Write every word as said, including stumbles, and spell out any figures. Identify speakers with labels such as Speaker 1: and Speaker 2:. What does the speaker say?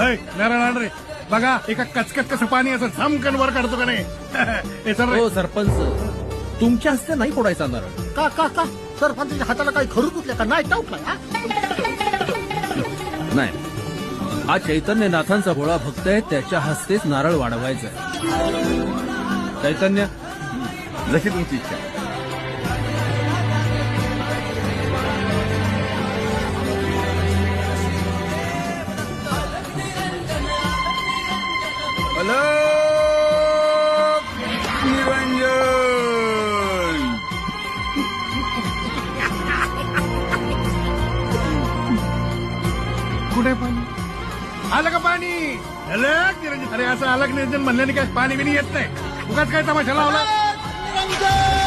Speaker 1: ऐ, नारायण आण रे. बघा एका कचकच कसं पाणी असं झमकन वर काढतो का नाही. हे चल रे.
Speaker 2: हो सरपंच, तुमच्या हस्ते नाही फोडायचा नारळ.
Speaker 3: का का का सरपंचाच्या हाताला काही खरू तुटले का नाही टाऊट नाही हा?
Speaker 2: नाही, हा चैतन्यनाथांचा भोळा भक्त आहे, त्याच्या हस्तेच नारळ वाढवायचा आहे. चैतन्य,
Speaker 4: जशी तुमची इच्छा. अलग निरंजन.
Speaker 1: कुठे पाणी आलं का पाणी? अलग निरंजन. अरे असं अलग निरंजन म्हणल्याने काय पाणी बिनी येत नाही. उगाच काय तमाशा लावला.
Speaker 3: निरंजन